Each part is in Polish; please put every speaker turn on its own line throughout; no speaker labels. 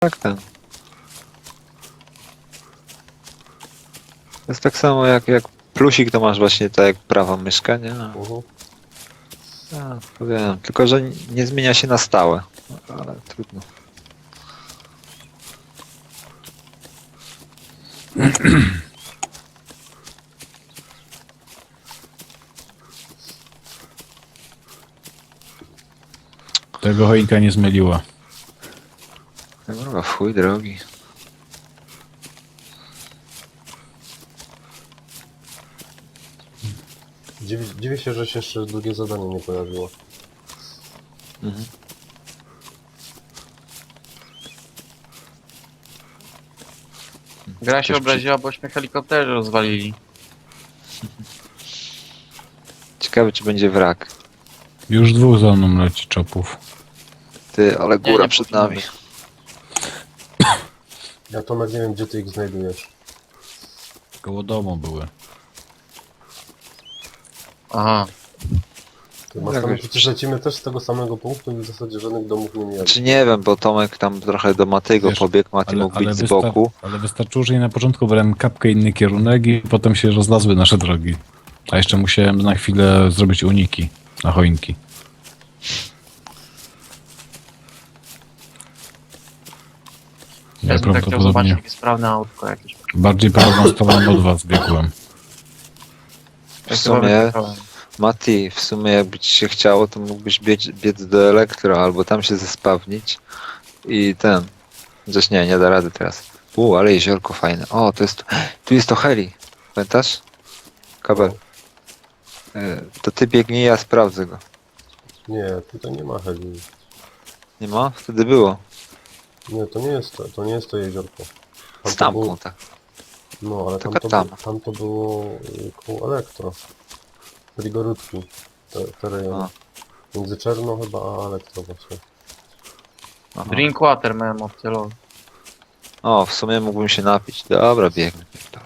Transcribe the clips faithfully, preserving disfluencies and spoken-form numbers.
tak ten. To jest tak samo jak, jak plusik, to masz właśnie tak jak prawa myszka, nie? No,
Mhm.
ja, to wiem, tylko że nie zmienia się na stałe. Ale trudno.
Tego choinka nie zmyliła.
Kurwa, w chuj drogi.
Dziwię, dziwię się, że się jeszcze drugie zadanie nie pojawiło.
Mhm.
Gra się
Ktoś
obraziła, bośmy helikoptery rozwalili.
Ciekawe, czy będzie wrak.
Już dwóch za mną leci czopów.
Ty, ale
Nie,
góra
nie
przed
powinno
nami.
być.
Ja Tomek nie wiem, gdzie ty ich znajdujesz.
Koło domu były.
Aha.
Ty masz
Jak
tam,
już-
przecież lecimy też z tego samego punktu i w zasadzie żadnych domów nie mieli.
Czy nie wiem, bo Tomek tam trochę do Matygo
Wiesz,
pobiegł, Maty mógł być z
wystar-
boku.
ale wystarczyło, że ja na początku brałem kapkę inny kierunek i potem się rozlazły nasze drogi. A jeszcze musiałem na chwilę zrobić uniki na choinki. Ja
Ja bym tak chciał zobaczyć
prawdopodobnie
takie sprawne autko jakieś.
bardziej prawą stroną od was biegłem.
W
Ja chyba
sumie,
wyjechałem.
Mati, w sumie jakby ci się chciało, to mógłbyś biec, biec do elektro, albo tam się zespawnić i ten. Chociaż nie, nie da rady teraz. U, ale jeziorko fajne. O, to jest, tu jest to heli. Pamiętasz? Kabel. E, To ty biegnij, ja sprawdzę go.
Nie, tutaj nie ma heli.
Nie ma? Wtedy było.
Nie, to nie jest to, to nie jest to jeziorko.
Z
to było,
tamką, tak.
no, ale tam
Tylko
to,
tam.
tam. tam to było y, koło elektro. Frigoródki. Te, te rejony.
A.
Między Czerno chyba a elektro właśnie.
Aha.
Drinkwater miałem opcję lol.
O, w sumie mógłbym się napić. Dobra, biegnę. Dobra.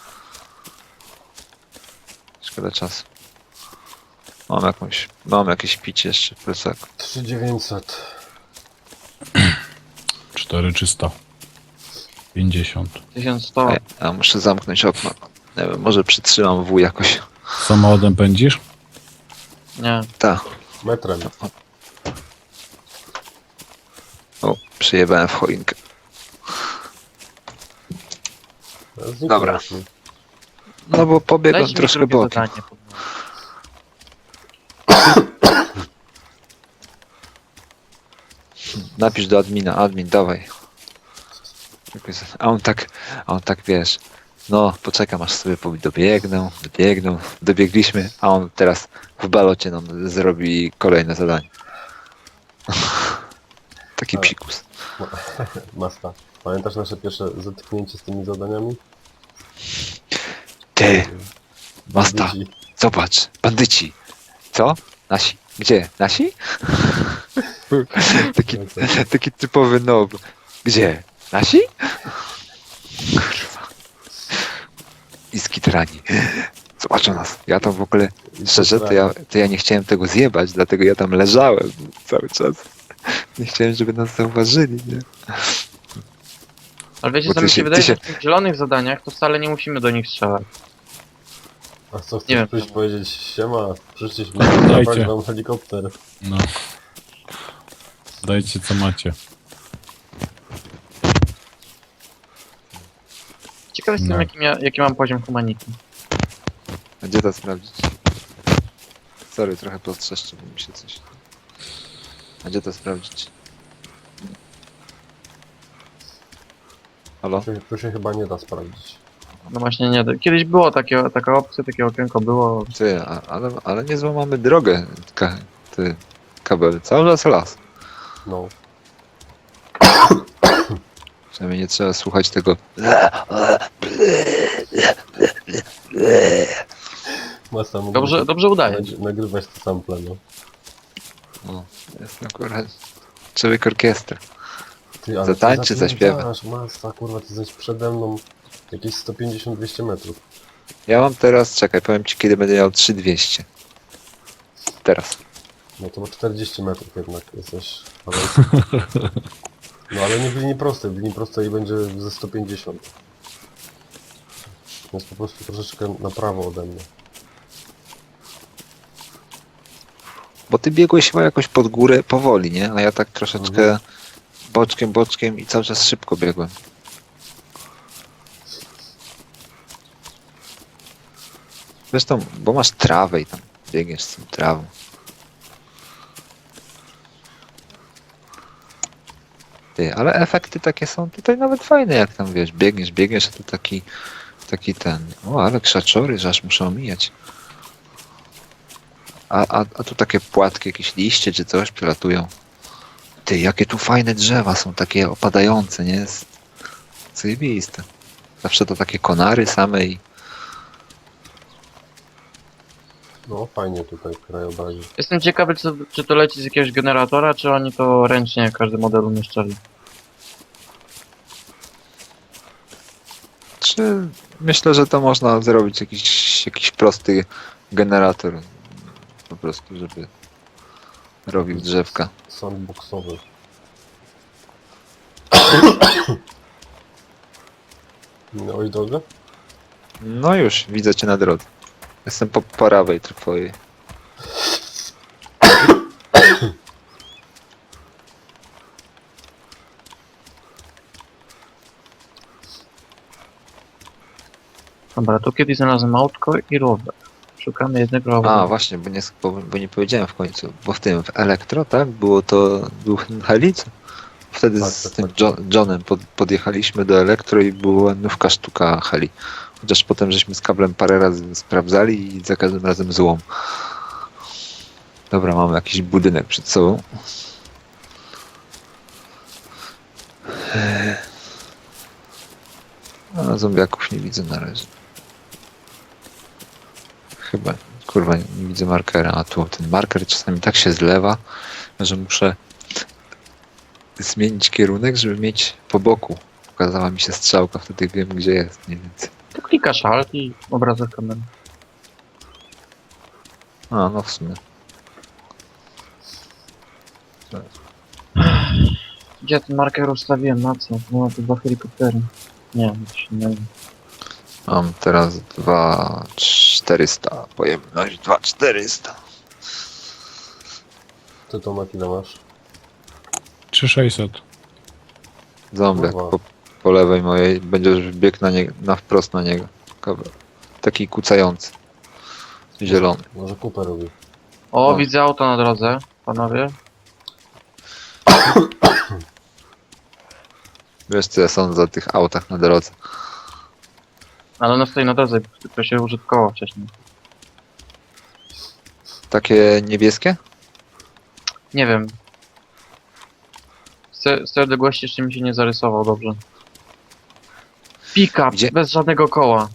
Szkoda czasu. Mam jakąś, mam jakieś picie jeszcze w plecaku.
trzy tysiące dziewięćset.
cztery trzysta pięćdziesiąt.
tysiąc sto.
Ej, a muszę zamknąć okno. Nie wiem, może przytrzymam W jakoś.
Samochodem pędzisz?
Nie.
Tak.
Metrem.
O, przyjebałem w choinkę.
Zniknął
Dobra.
mi.
No bo pobiegłem
Dajcie mi
troszkę
drugie
bokiem.
zadanie. pod nogi.
Napisz do admina, admin, dawaj. Jakoś- A on tak, a on tak wiesz, no poczekam aż sobie powie- dobiegną, dobiegną, dobiegliśmy, a on teraz w balocie nam zrobi kolejne zadanie. Taki
Ale-
psikus.
Masta. Pamiętasz nasze pierwsze zetknięcie z tymi zadaniami?
Ty, Masta,
Bandyci.
zobacz, bandyci. Co? Nasi. Gdzie? Nasi? taki, taki typowy nob. Gdzie? Nasi? Kurwa. I skitrani. Zobaczą nas. Ja tam w ogóle, szczerze, to ja, to ja nie chciałem tego zjebać, dlatego ja tam leżałem cały czas. Nie chciałem, żeby nas zauważyli, nie?
Ale wiecie
Bo
co
ty
mi się
się-
wydaje,
ty się-
że w tych zielonych zadaniach to wcale nie musimy do nich strzelać.
A co, chcesz
Nie wiem.
przyjść powiedzieć, siema, przyszliśmy
Dajcie.
zabrać wam helikopter.
No. Dajcie co macie.
Ciekawy jestem
No.
jaki, mia- jaki mam poziom humanity.
A gdzie to sprawdzić? Sorry, trochę postrzeszczył mi się coś. A gdzie to sprawdzić? Halo?
Tu, się- tu się chyba nie da sprawdzić.
No właśnie nie, kiedyś było takie, taka opcja, takie okienko było.
Ty, a, ale, ale nie złamamy drogę, ka, ty, kabel. Cały czas las.
No.
Przynajmniej nie trzeba słuchać tego.
Masta mógłbyś
Dobrze, dobrze udaje.
nag- nagrywać te sample, no.
O, jestem akurat człowiek orkiestra.
Ty, ale
Zatańczy,
ty
zaśpiewa.
zapierdasz, Masta, kurwa, ty jesteś przede mną jakieś sto pięćdziesiąt do dwieście metrów.
Ja mam teraz, czekaj, powiem ci kiedy będę miał trzy tysiące dwieście. Teraz.
No to ma czterdzieści metrów jednak jesteś. Ale No ale nie w linii prostej, w linii prostej będzie ze sto pięćdziesiąt. Jest po prostu troszeczkę na prawo ode mnie.
Bo ty biegłeś chyba jakoś pod górę powoli, nie? A ja tak troszeczkę
Mhm.
boczkiem, boczkiem i cały czas szybko biegłem. Zresztą, bo masz trawę i tam biegniesz z tą trawą. Ty, ale efekty takie są tutaj nawet fajne, jak tam wiesz, biegniesz, biegniesz, a tu taki, taki ten, o, ale krzaczory, że aż muszę omijać. A, a, a tu takie płatki, jakieś liście czy coś przelatują. Ty, jakie tu fajne drzewa są, takie opadające, nie? Jest zajebiste. Zawsze to takie konary same i
No fajnie tutaj w krajobrazie.
Jestem ciekawy, czy, czy to leci z jakiegoś generatora, czy oni to ręcznie każdy model umieszczali.
czy myślę, że to można zrobić jakiś, jakiś prosty generator po prostu, żeby robił drzewka.
Sandboxowy. Minąłeś drogę?
No już, widzę cię na drodze. Jestem po prawej twojej.
Dobra, tu kiedyś znalazłem autko i rower. Szukamy jednego
A,
roweru.
właśnie, bo nie, bo, bo nie powiedziałem w końcu, bo w tym, w Elektro, tak? Było to, był helic? Wtedy
Tak,
z
tak,
tym
tak.
Jo- Johnem pod, podjechaliśmy do Elektro i była nówka sztuka heli. Chociaż potem żeśmy z kablem parę razy sprawdzali i za każdym razem złom. Dobra, mamy jakiś budynek przed sobą. Eee. A zombiaków nie widzę na razie. Chyba, kurwa, nie, nie widzę markera. A tu ten marker czasami tak się zlewa, że muszę zmienić kierunek, żeby mieć po boku. Pokazała mi się strzałka, wtedy wiem gdzie jest mniej więcej.
Tu klikasz alt i obrazek kamery.
A, no w sumie.
Gdzie ja ten marker ustawiłem? Na co? No to dwa helikoptery. Nie, coś innego.
Mam teraz dwa czterysta. Pojemność dwa czterysta.
Ty to na ile masz?
trzy sześćset.
Zombiak
Kurwa.
po, po lewej mojej. Będziesz biegł na, nie, na wprost na niego. Kabel. Taki kucający. Zielony.
Może kupę robi.
O,
No.
widzę auto na drodze, panowie.
Wiesz co ja sądzę o tych autach na drodze.
Ale ono stoi na drodze, tylko się użytkowało wcześniej.
Takie niebieskie?
Nie wiem. Z te- z tej odległości jeszcze mi się nie zarysował dobrze. Pick-up,
Gdzie?
bez żadnego koła.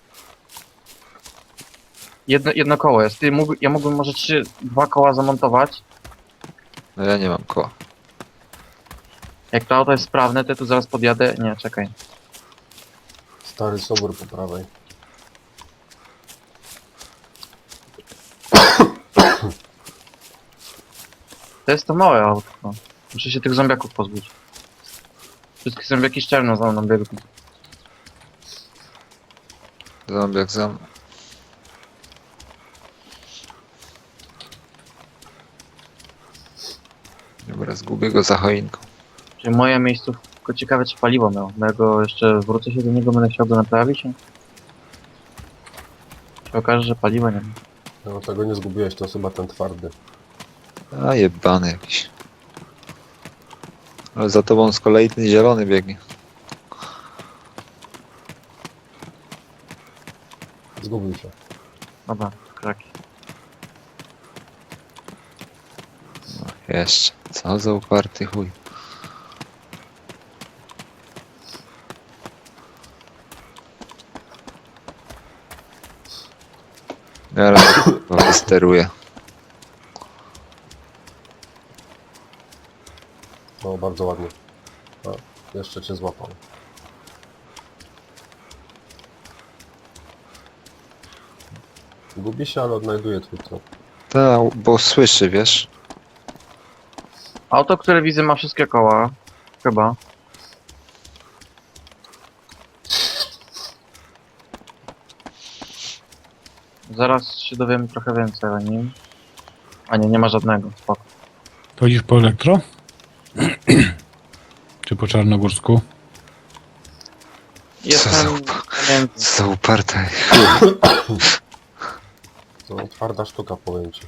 Jedno, jedno koło jest. Ty, mógł, ja mógłbym może trzy, dwa koła zamontować.
No ja nie mam koła.
Jak to auto jest sprawne, to ja tu zaraz podjadę. Nie, czekaj.
Stary sobór po prawej.
To jest to małe autko. Muszę się tych zombiaków pozbyć. Wszystkie zombiaki szczelno za mną biegną.
Zombiak za mną. Dobra, zgubię go za choinką.
Czyli moja miejscówka, ciekawe czy paliwo miał. Mojego jeszcze wrócę się do niego, będę chciał go naprawić. Się okaże, że paliwa nie ma.
No tego nie zgubiłeś, to chyba ten twardy.
A jebany jakiś. Ale za tobą z kolei ten zielony biegnie.
Zgubił się.
Dobra, kraki.
Jeszcze. Co za uparty chuj. Ja raz go wysteruję.
No bardzo ładnie. A, jeszcze cię złapał. Gubi się, ale odnajduje twój trop.
Tak, bo słyszy, wiesz?
Auto, które widzę, ma wszystkie koła. Chyba. Zaraz się dowiemy trochę więcej o nim. A nie, nie ma żadnego. Spoko.
Chodzisz po elektro? Czy po czarnogórsku?
Jestem pomiędzy.
Co za uparte.
To twarda sztuka, powiem ci.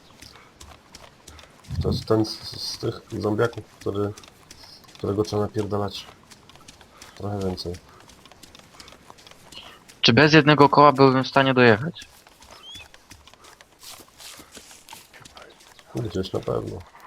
To jest ten z, z tych zombiaków, który, którego trzeba napierdalać trochę więcej.
Czy bez jednego koła byłbym w stanie dojechać?
Gdzieś na pewno.